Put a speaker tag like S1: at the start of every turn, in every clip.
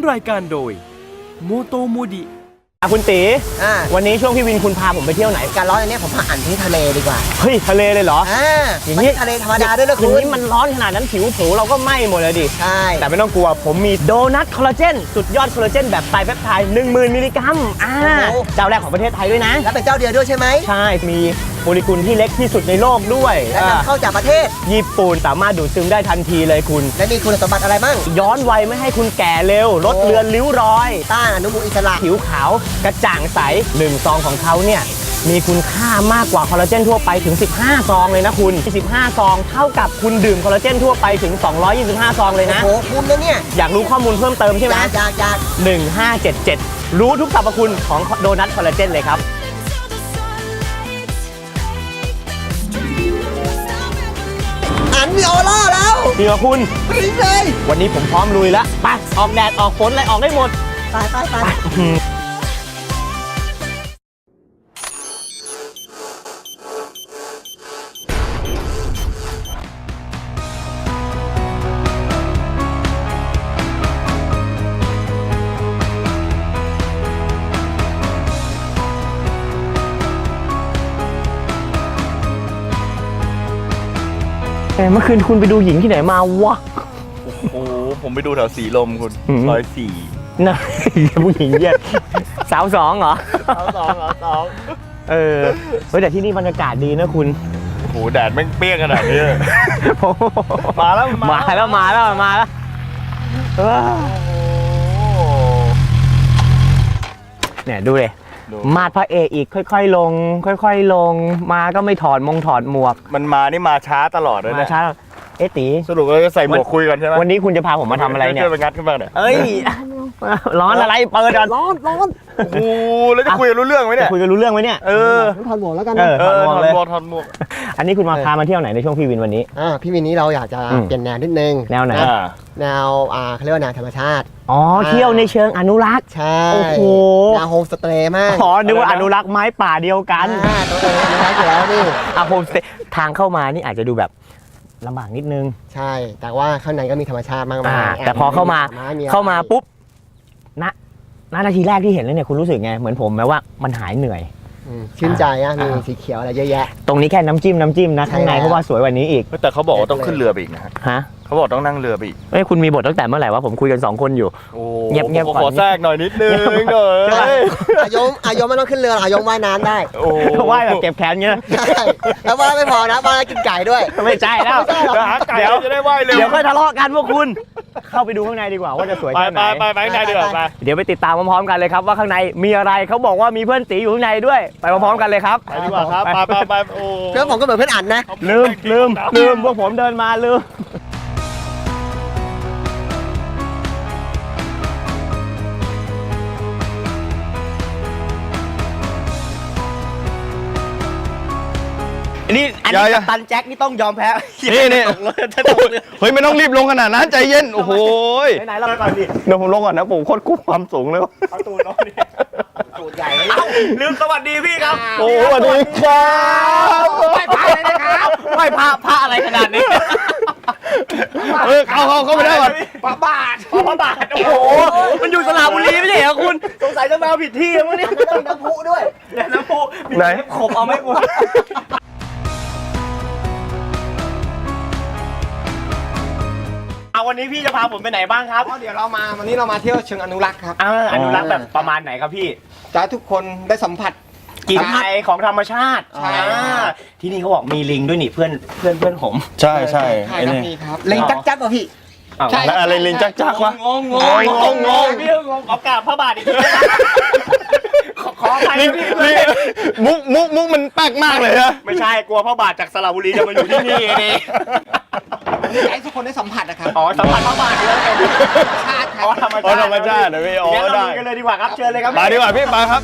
S1: รายการโดยโมโตโมดิ
S2: คุณตีวันนี้ช่วงพี่วินคุณพาผมไปเที่ยวไหน
S3: การร้อนอันนี้ผมพาอ่านที่ทะเลดีกว่า
S2: เฮ้ยทะเลเลยเหรอ
S3: อย่างนี้ทะเลธรรมดาด้วยนะคุณ
S2: นี่มันร้อนขนาดนั้นผิวเราก็ไหม้หมดเลยดิ
S3: ใช่
S2: แต่ไม่ต้องกลัวผมมีโดนัทคอลลาเจนสุดยอดคอลลาเจนแบบไตรเปปไทด์ 10,000 มิลลิกรัมเจ้าแรกของประเทศไทยด้วยนะ
S3: และเป็นเจ้าเดียวด้วยใช่ไหม
S2: ใช่มีโมเลกุลที่เล็กที่สุดในโลกด้วย
S3: และนำเข้าจากประเทศ
S2: ญี่ปุ่นสามารถดูดซึมได้ทันทีเลยคุณ
S3: และมีคุณสมบัติอะไรบ้าง
S2: ย้อนวัยไม่ให้คุณแก่เร็วลดเลือนริ้วรอย
S3: ต้านอนุมูลอิสระ
S2: ผิวขาวกระจ่างใส1 ซองของเขาเนี่ยมีคุณค่ามากกว่าคอลลาเจนทั่วไปถึง15 ซองเลยนะคุณ15 ซองเท่ากับคุณดื่มคอลลาเจนทั่วไปถึง225 ซองเลยนะ
S3: โอ้โหคุ้มนะเนี่ย
S2: อยากรู้ข้อมูลเพิ่มเติมใช่ไหม
S3: อยาก
S2: 1577รู้ทุกสรรพคุณของโดนัทคอลลาเจนเลยครับ
S3: อันมีออร่าแล้ว
S2: จริงเหรอคุณ
S3: จริงเลย
S2: วันนี้ผมพร้อมลุยแล้วไปออกแดดออกฝนอะไรออกได้หมด
S3: ไป
S2: เมื่อคืนคุณไปดูหญิงที่ไหนมาวะ
S4: โอ้โหผมไปดูแถวสีลมคุณ104
S2: น่ะผู้หญิงเยอะสาว2เหรอ
S4: สาว2
S2: เฮ้ยแต่ที่นี่บรรยากาศดีนะคุณ
S4: โอ้โหแดดแม่งเปรี้ยงขนาดนี้มาแล้ว
S2: เนี่ยดูเลยมาดพระเอกอีกค่อยๆลงมาก็ไม่ถอดหมวก
S4: มันมานี่มาช้าตลอดเลยนะ
S2: ช้าตี
S4: สรุปเราจะใส่หมวกคุยกันใช่ไหม
S2: วันนี้คุณจะพาผมมาทำอะไรเนี่ย
S4: ไปงัดขึ้นมาเนี่ย
S2: เอ้ยร้อนอะไรเปิดก่อน
S3: ร้อน
S4: โอ้แล้วจะคุยกันรู้เรื่องไหมเนี่ย
S2: คุยกันรู้เรื่องไหมเนี่ย
S3: ถอดหมวกแล้วกัน
S4: ถอดหมวก
S2: อันนี้คุณมาพามาเที่ยวไหนในช่วงพี่วินวันนี้
S3: พี่วินนี้เราอยากจะเปลี่ยนแนวนิดนึง
S2: แนวไหน
S3: แนวเขาเรียกว่าแนวธรรมชาติ
S2: เที่ยวในเชิงอนุรักษ์
S3: ใช่
S2: โอ้โห
S3: แนวโฮมสเตย์มาก
S2: นึกว่าอนุรักษ์ไม้ป่าเดียวกัน
S3: ตัวเองอนุรักษ์อยู่แล้วนี่
S2: โฮมสเตย์ทางเข้ามานี่อาจจะดูแบบลำบากนิดนึง
S3: ใช่แต่ว่าข้างในก็มีธรรมชาติมากมาย
S2: แต่พอเข้ามาปุ๊บนาทีแรกที่เห็นแล้วเนี่ยคุณรู้สึกไงเหมือนผมไหมว่ามันหายเหนื่อย
S3: ชื่นใจมีสีเขียวอะไรเยอะแยะ
S2: ตรงนี้แค่น้ำจิ้มนะข้างในเพราะว่าสวยกว่านี้อีก
S4: แต่เขาบอกว่าต้องขึ้นเรือไปอีกนะ
S2: ฮะ
S4: เขาบอกต้องนั่งเรือไปอีก
S2: คุณมีบทตั้งแต่เมื่อไหร่วะผมคุยกัน2 คนอยู่
S4: เงียบก่อนขอแทรกหน่อยนิดนึง
S3: อายมไม่ต้องขึ้นเรืออายมว่ายน้ำได้
S2: ว่ายแบบเก็บแขนเงี้ย
S3: แล้วว่ายไม่พอนะว่ายกินไก่ด้วย
S2: ไม่ใช่แล้ว
S4: หาไก่จะได้ว่ายเร็ว
S2: เดี๋ยวค่อยทะเลาะกันพวกคุณเข้าไปดูข้างในดีกว่าว่าจะสวยแค่ไหน
S4: ไปข้างในดีกว่า
S2: เดี๋ยวไปติดตามพร้อมๆกันเลยครับว่าข้างในมีอะไรเขาบอกว่ามีเพื่อนตีอยู่ข้างในด้วยไปพร้อมๆกันเลยครับ
S4: ไปดีกว่าครับไป
S3: เพื่อนผมก็เหมือนเพื่อนอันนะ
S2: ลืมพวกผมเดินมาลืมนี่อันนี้ตันแจ็คนี่ต้องยอมแพ้
S4: นี่เฮ้ยไม่ต้องรีบลงขนาดนั้นใจเย็นโอ้โห
S2: ไหนเราไปก่อนดิ
S4: เดี๋ยวผมลงก่อนนะผมโคตรกู้ความสูงเลย
S2: เอาตูนน้องนี่ตูนใหญ่ลืมสวัสดีพี่ครับ
S4: โอ้สวัสดีครับ
S2: ไม่พาเลยนะครับไม่พาอะไรขนาดนี้
S4: เข้าไปได้ก่อน
S2: พระบาทโอ้โหมันอยู่สระบุรีไม่ใช่เหรอคุณสงสัยจะมาผิดที่มั้งเนี่ย
S3: ต้องน้ำพุด้วย
S2: น้ำพุไหนขบเอาไม่หมดวันนี้พี่จะพาผมไปไหนบ้างครับ
S3: เดี๋ยววันนี้เรามาเที่ยวเชิงอนุรักษ์ครับ
S2: อนุรักษ์แบบประมาณไหนครับพี่
S3: จะทุกคนได้สัมผัส
S2: กลิ่นไอของธรรมชาติที่นี่เขาบอกมีลิงด้วยนี่เพื่อนผม
S4: ใช่
S3: ครับลิงจักป่ะพี่
S4: ใช่อะไรลิงจักวะ
S2: งงพี่งงขอกราบพระบาทอีกทีขออภัยพี่
S4: มุกมันแปลกมากเลยนะ
S2: ไม่ใช่กลัวพระบาทจากสระบุรีจะมาอยู่ที่นี่เอง
S3: ให้ทุกคนได้สัมผัสนะครับ
S2: สัมผัสพระบาทเลย
S3: ชาติ
S4: ธรรมชาตินะพี่
S2: ได้กันเลยดีกว่าครับเชิญเลยครับ
S4: มาดีกว่าพี่มาครับ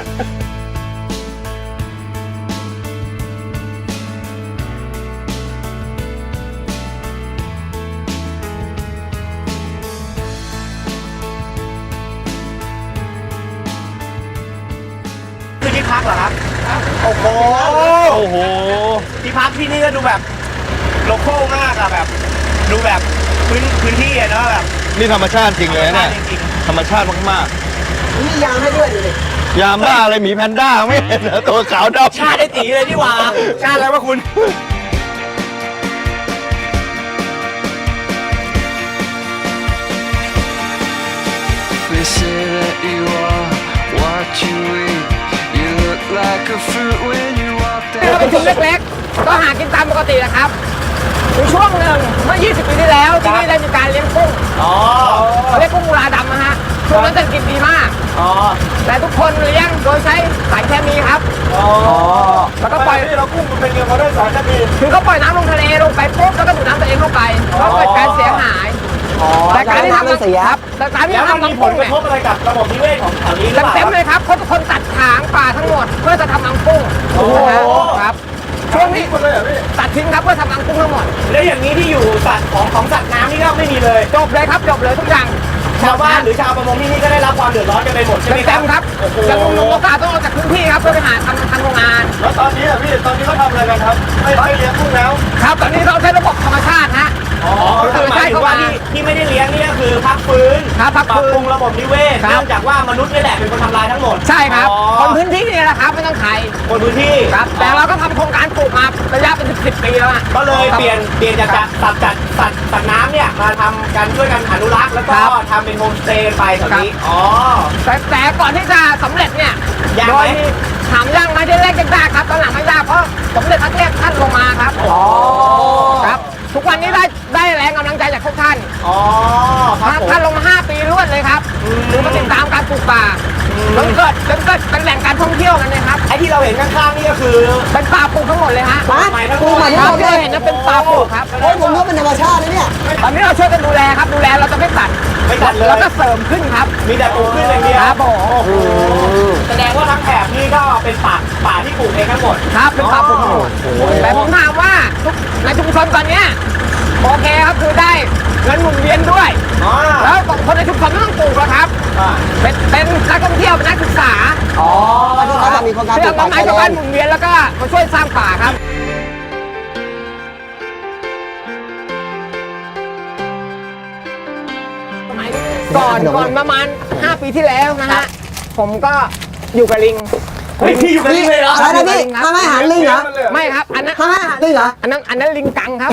S2: ที่พักเหรอครับโอ้โหที่พักที่นี่ก็ดูแบบโลคอลมากอะแบบดูแบบพื้นที่อะเนาะแบบ
S4: นี่ธรรมชาติจริงเลยนะธรรมชาติมาก
S3: มียางให้ด้วยดูดิ
S4: ๆยามบ้าอะไรหมีแพนด้าไม่เห็นเหรอตัวขาวดำ
S2: ชาติได้ตีเลยดีกว่าชาติอะไรวะคุณ
S5: They say that you are what you eat. You look like a fruit when you walk
S6: เรา
S5: down.
S6: เป็นชุมเล็กๆ ก็หากินตามปกตินะครับมีช่วงหนึ่งเมื่อ 20 ปีที่แล้วที่นี่ได้มีการเลี้ยงกุ้งเขาเรียกกุ้งมูลาดำนะฮะช่วงนั้นเศรษฐกิจดีมากแต่ทุกคนเลี้ยงโดยใช้สารเคมีครับแล้วก็ปล่อยเรากุ้งมันเป็นยังไงเขาได้สารเคมีคือเขาปล่อยน้ำลงทะเลลงไปปุ๊บแล้วก็ดูดน้ำตัวเองเข้าไปก็เกิดการเสียหายแต่การที่ทำ
S3: เสีย
S6: ครับแต่การที่ทำน้ำกุ้งเนี่ย
S2: อะไรกับระบบนิเวศของแถวนี้หรือเปล่า
S6: เต็มๆเลยครับเขาทุกคนตัดถางป่าทั้งหมดเพื่อจะทำรังกุ้งนะฮะครับช่วงนี้ตัดทิ้งครับเพื่อทำรังกุ้งทั้งหมด
S2: แล้วอย่างนี้ที่อยู่สัตว์ของสัตว์น้ำนี่ก็ไม่มีเลย
S6: จบเลยครับจบเลยทุกอย่าง
S2: ชาวบ้านหรือชาวประมงที่นี่ก็ได้รับความเดือดร้อนกันไปหมดใช่ไหมค
S6: เต็
S2: รับ
S6: มๆครับอย่างลุงโอกาสต้องออกจากพื้นที่ครับเพื่อไปหาทำโรงงาน
S4: แล้วตอนนี้พี่ตอนนี้เขาทำอะไรกันครับไม่เลี้ยงกุ้งแล้ว
S6: ครับตอนนี้เราใช้ระบบธรรมชาติฮะ
S2: คือหมายถึงว่าที่ไม่ได้เลี้ยงนี่ก็คือพักฟื้น
S6: ครับพัก
S2: ปรับ
S6: ฟื้
S2: ปรุ
S6: น
S2: งระบบนิเวศ
S6: ครับ
S2: เนื่องจากว่ามนุษย์นี่แหละเป็นคนทำลายทั้งหมด
S6: ใช่ครับ
S2: อ๋อ
S6: คนพื้นที่นี่แหละครับไม่ต้องใคร
S2: คนพื้นที่
S6: ครับแต่เราก็ทำโครงการปลูกมาระยะเป็น10 ปีแล้วอะ
S2: ก็เลย
S6: ครับ
S2: เปลี่ยนจากสัตว์น้ำเนี่ยมาทำกันช่วยกันอนุรักษ์แล้วก็
S6: ครับ
S2: ทำเป็นโฮมสเตย์ไปแบบนี้อ๋อ
S6: แต่ก่อนที่จะสำเร็จเนี่ย
S2: ยาก
S6: โด
S2: ไหม
S6: ยถามยากไหมที่แรกยากครับตอนหลังไม่ยากเพราะสมเด็จพระเทพท่านลงมาครับครับทุกวันนี้ได้แรงกำลังใจจากทุกท่าน
S2: อ๋อครับผม
S6: ท่านลงมา 5 ปีรวดเลยครับคือมาติดตามการปลูกป่าจนเกิดเป็นแหล่งการท่องเที่ยวกันเลยครับ
S2: ไอ้ที่เราเห็นข้างๆนี่ก็คือ
S6: เป็นป่าปลูกทั้งหมดเลยฮะ
S3: มา
S2: ใหม่ทั้งห
S3: ปู
S2: มด
S3: ใหม่
S6: ค
S3: ทั้ง
S6: รั
S3: ห
S6: บ
S3: มดเล
S6: ที่
S3: ย
S6: เห็นนั้นเป็นป่าปลูกครับ
S3: โอ้ยผมรู้ว่าเป็นธรรมชาตินะเนี่ย
S6: ตอนนี้เราช่วยกันดูแลครับดูแลเราจะไม่ตัด
S2: ไม่ตัดเลย
S6: แล้วก็เสริมขึ้นครับ
S2: มีแต่ปลูกขึ้นอย่างเดียว
S6: ครับผม
S2: แสดงว่าทั้งแถบนี่ก็เป็นป่าที่ปลูกเองทั้งหมด
S6: ครับเป็นป่าปลูกทั้งหมดแต่ผมถามว่าในชุมชนตอนเนี้ยโอเคครับคือได้เงินหมุนเวียนด้วย
S2: อ๋อ
S6: แล้วคนในชุมชนไม่ต้องปลูกแล้วครับเป็นนักท่องเที่ยวเป็นนักศึกษา
S3: อ๋อที่เขาจะมีโครงการป
S6: เพื่
S3: ลู
S6: อก มา
S3: ป่า
S6: ไม้
S3: ชาย
S6: ชาว
S3: แด
S6: บ้าน
S3: น
S6: หมุนเวียนแล้วก็มาช่วยสร้างป่าครับก่อนประมาณ 5 ปีที่แล้วนะฮะผมก็อยู่กับลิง
S2: เฮ้ยพี่อยู่กันนี่เลยเหรอ
S3: อะไรนะพี่ทำให้อาหารลิงเหรอ
S6: ไม่ครับอันนั้น
S3: ทำให้อาหารลิงเหรอ
S6: อันนั้นลิงกังครับ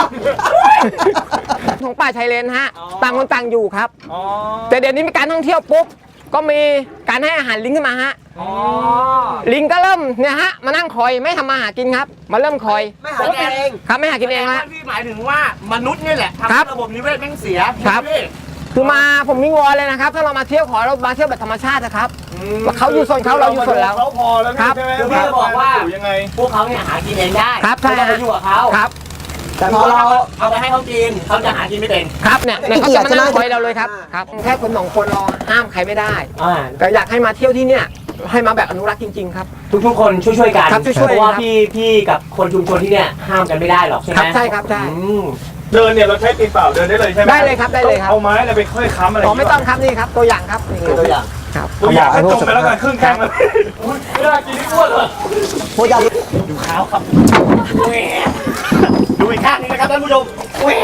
S6: ของป่าชายเลนฮะต่างคนต่างอยู่ครับ
S2: อ๋อ
S6: แต่เดี๋ยวนี้มีการท่องเที่ยวปุ๊บก็มีการให้อาหารลิงขึ้นมาฮะ
S2: อ๋อ
S6: ลิงก็เริ่มเนี่ยฮะมานั่งคอยไม่ทำมาหากินครับมาเริ่มคอย
S3: ไม่หากินเอง
S6: ครับไม่หากินเองฮะ
S2: พี่หมายถึงว่ามนุษย์นี่แหละ
S6: ครั
S2: ทำ
S6: บ
S2: ให้ระบบนิเวศแม่งเสีย
S6: ครับ
S2: พี่
S6: คือมาผมมีวอนเลยนะครับ ถ้าเรามาเที่ยวขอเรามาเที่ยวแบบธรรมชาตินะครับว่าเขาอยู่ส่วนเขาเราอยู่ส่วนเรา
S4: เขาพอแล้ว
S6: ครับ
S4: ใช่ไหม
S2: คือพี่จะบอกว่า
S4: อยู่ยังไง
S2: พวกเขาเนี่ยหากินเองได้
S6: ครับใช่
S2: ไม่ต้องไปอยู่กับเขา
S6: ครับ
S3: แต่พอเรา
S2: เอาไปให้เขากินเขาจะหากินไม่เป็น
S6: ครับเนี่ยเนี่ยเขาจะมานั่งคอยเราเลยครับ
S3: อ่า
S6: ครับแค่คนสองคนเราห้ามใครไม่ได้
S2: อ่า
S6: แต่อยากให้มาเที่ยวที่เนี่ยให้มาแบบอนุรักษ์จริงๆครับ
S2: ทุกๆคนช่วยๆกัน
S6: ครับช่วยๆ
S2: เพราะว่า
S6: ครับ
S2: พี่กับคนชุมชนที่เนี่ยห้ามกันไม่ได้หรอกใช่ไหม
S6: ครับใช่ครับใช่
S2: อืม
S4: เดินเนี่ยเราใช้ตีนเปล่าเดินได้เลยใช่ไหม
S6: ได้เลยครับได้เลยครับ
S4: เอาไม้อะไรไปค่อยค้ำอะไร
S6: อ๋อไม่ต้องครับนี่ครับตัวอย่างครับนี่
S3: ตัวอย่าง
S6: ครับ
S4: ตัวอย่างให้จมไปแล้วกันครึ่งแข้งเลยไม่ได้กินนี่อ้วนเลย
S3: พูดยาว
S2: ดูขาวครับแหวดูอีกข้างหนึงนะครับท่านผู้ชมแหว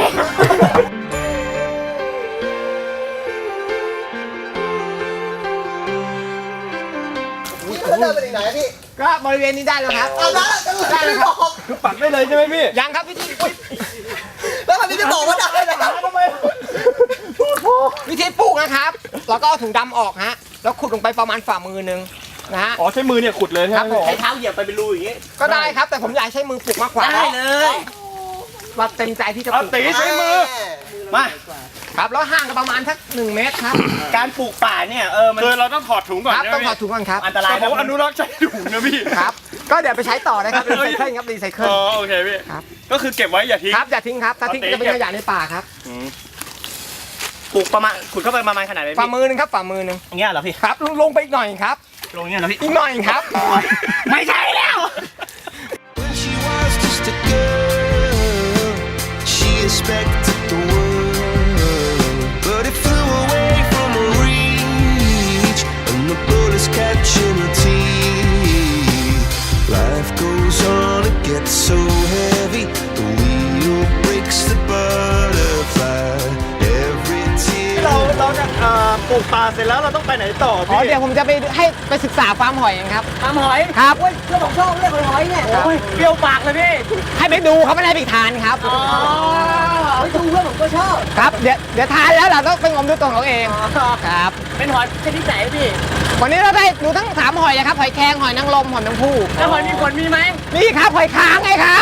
S3: แล้วเดินไปถึงไหนอะพี่
S6: ก็บริเวณนี้ได้แล้วครับ
S3: เอาแล้วจะไม่บอก
S4: คือปักได้เลยใช่ไหมพี่
S6: ยังครับพี่อุ๊ย
S3: แล้วมันจะบอกว่าได้นะ
S4: ทำไม
S6: วิธีปลูกนะครับ เราก็เอาถุงดำออกฮะแล้วขุดลงไปประมาณฝ่ามือหนึงนะฮะ
S4: อ๋อใช้มือเนี่ยขุดเลยใช่ไหม
S6: ครับผม
S2: ใช้เท้าเหยียบไปเป็นรูอย่างงี้
S6: ก็ได้ครับแต่ผมอยากใช้มือปลูกมากกว่า
S2: ได้เลย
S6: ว่าเต็มใจที่จะป
S4: เอา
S6: ลูก
S4: ตีใช้มือ
S2: มา
S6: ครับแล้วห่างกันประมาณสัก1 เมตรครับ
S2: การปลูกป่าเนี่ยมัน
S4: คือเราต้องถอดถุงก่อน
S6: ครับ
S4: ใช่ไหม
S6: ต้องถอดถุงก่อนครับ
S2: อันตราย
S4: เขาบอกว่าอนุรักษ์ใช้ถุงนะพี่
S6: ครับ ก็เดี๋ยวไปใช้ต่อนะครับรีไซเคิลครับรีไซเคิล
S4: อ๋อโอเคพี่
S6: ครับ
S4: ก็คือเก็บไว้อย่าทิ้ง
S6: ครับอย่าทิ้งครับถ้าทิ้ง
S4: เอาตี
S6: จะเป็นขยะในป่าครับ
S2: ปลูกประมาณขุดเข้าไปประมาณขนาดไหน
S6: ฝ่า
S2: พี่
S6: มือหนึงครับฝ่ามือหนึง
S2: อย่างเงี้ยเหรอพี่
S6: ครับลงไปอีกหน่อยครับ
S2: ลงเงี้ยเหรอพี่
S6: อีกหน่อยครับ
S2: ไม่ใช่แล้ว
S5: When she was just a girl, she expected the world, but it flew away from her reach, and the bullets catching her teeth. Life goes on, it gets so heavy, the wheel breaks the butterfly. Every tear.
S2: เราจะ
S4: ปลูกป่าเสร็จแล้วเราต้องไปไหนต่อ
S6: อ๋อ
S4: พี่
S6: เดี๋ยวผมจะไปศึกษาฟาร์มหอยเองครับ
S2: ทำหอย
S6: ครับ
S3: เรื่องของชอบเรื่องของหอยเนี่ย
S2: โอ้ยเปรี้ยวปากเลยพี่
S6: ให้ไปดูเขาไม่ได้ไปทานครับ
S3: ไปดูเรื่องผมก็ชอบ
S6: ครับเดี๋ยวทานแล้วเราต้องไปงมด้วยตัวของเราเองครับ
S2: เป็นหอยชนิดไหนพี่
S6: วันนี้เราได้ดูทั้ง3หอยนะครับหอยแครงหอยนางรมหอยแมงภู่
S2: แล้วหอยมีขนมีไหม
S6: นี่ครับหอยค้างไงครับ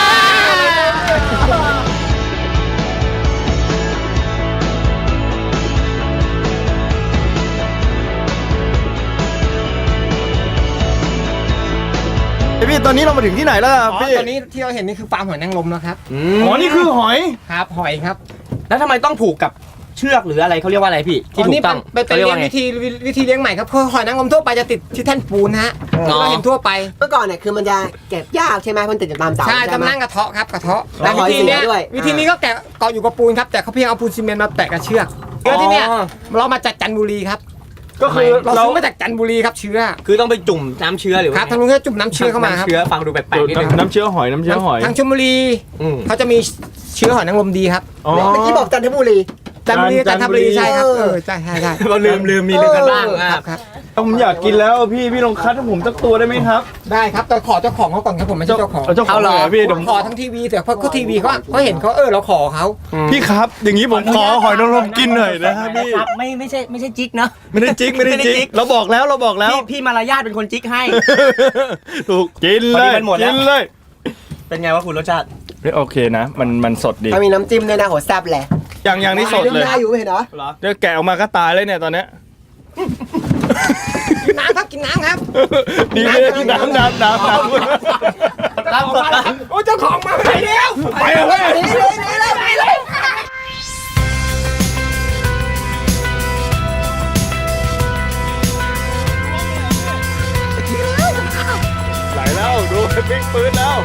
S4: พี่ตอนนี้เรามาถึงที่ไหนแล้ว
S6: อ๋อ
S4: พี่
S6: ตอนนี้ที่เราเห็นนี่คือฟาร์มหอยนางรมนะครับ
S4: อ๋อนี่คือหอย
S6: ครับหอยครับ
S2: แล้วทำไมต้องผูกกับเชือกหรืออะไรเขาเรียกว่าอะไรพี่ที่ถูกต้อง
S6: เป็น
S2: เขาเรียก
S6: เลี้ย
S2: ว่าง ไง
S6: วิธีเลี้ยงใหม่ครับคือหอยนางรมทั่วไปจะติดที่แท่นปูนฮะที่เราเห็นทั่วไป
S3: เมื่อก่อนเนี่ยคือมันจะเก็บยากใช่ไหมมันติดอยู่ตามเสา
S6: ใช่
S3: ไหม
S6: จะมานั่งกระเทาะครับกระเทาะ
S3: แล้วหอย
S6: วิธีเนี้ย
S3: เสียด้วย
S6: วิธีนี้ก็แกะเกาะอยู่กับปูนครับแต่เขาเพียงเอาปูนซีเมนต์มาแปะกับเชือกเชื้อที่เนี้ยเรามาจากจันทบุรีครับ
S4: ก็คือ
S6: เรา
S4: เรา
S6: ซื้อมาจากจันทบุรีครับเชื้อ
S2: คือต้องไปจุ่มน้ำเชื้อหรือ
S6: ครับทางนู้นก็จุ่มน้ำเชื้อเข้ามาครับ
S2: น้ำเชื้อฟังดูแปลกๆนิดนึง
S4: น้ำเชื้อหอยน้ำเชื้อหอย
S6: ทางชลบุรี
S2: อืม
S6: เขาจะมีเชื้อหอยนางรมดีครับ
S4: อ๋อ
S3: เมื่อกี้บอกจันทบุรี
S6: จันทบุรี
S4: จั
S6: จั
S4: น
S6: น
S4: ท
S6: ท
S4: บุ
S6: บุ
S4: รี
S6: รีใช่ครับใช่ใช่
S2: เราลืมมีลืมกันบ้าง
S6: ครับครับ
S4: ผมอยากกินแล้วพี่ลองคัดให้ผมสักตัวได้ไหมครับ
S6: ได้ครับแต่ขอเจ้าของเขาก่อนครับผมไม่ใช่เจ้าของ
S4: เจ้าของเลยเหรอพี่เดี๋ยว
S6: ขอทั้งทีวีแต่เพราะเขาทีวีเขาเห็นเขาเราขอเขา
S4: พี่ครับ อย่างนี้ผมขอหอยนางรมกินหน่อยนะพี่
S2: ครับไม่ใช่จิ๊กเนอะ
S4: ไม่ได้จิกไม่ได้จิกเราบอกแล้ว
S2: พี่มารยาทเป็นคนจิ๊กให้
S4: ถูกกินเลย
S2: พอดีมันหมดแล้ว
S4: กินเลย
S2: เป็นไงวะคุณรสชาติ
S4: โอเคนะ มันสดดี
S3: ถ้ามีน้ำจิ้มด้วยนะโหแซ่บแหละ
S4: อย่างนี้สดเลย
S3: ได้อยู่ไม่เห็นเหรอ
S4: เดี๋ยวแกะออกมาก็ตายเลยเนี่ยตอนเนี้ย
S6: กินน้ำครับกินน้ำครับ
S4: ดีเลยน้ำ
S2: รับสดนะ
S6: โอ้เจ้าของมาไปแล้ว
S4: ไปเลย
S3: นี่เลยนี่เลยนี่เลย
S4: ไหลแล้วดูปิ๊กปืนแล้ว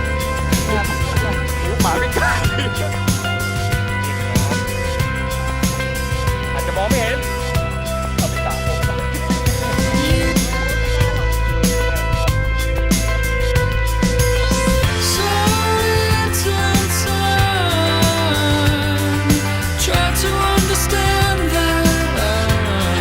S4: หมาไม่กล้าอาจจะมองไม่เห็นเอาไปตากผม
S5: Try to understand that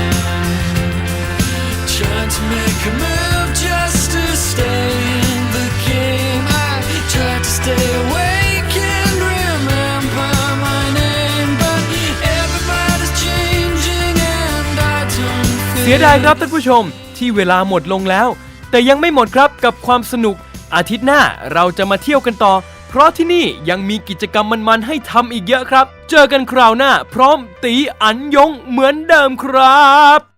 S5: trying to make a move just to stay in the game. I try to stay awake and remember my name, but everybody's changing and I don't
S1: เสียดายครับท่านผู้ชมที่เวลาหมดลงแล้ว แต่ยังไม่หมดครับกับความสนุกอาทิตย์หน้าเราจะมาเที่ยวกันต่อ เพราะที่นี่ยังมีกิจกรรมมันๆให้ทำอีกเยอะครับ เจอกันคราวหน้าพร้อมตีอันยงเหมือนเดิมครับ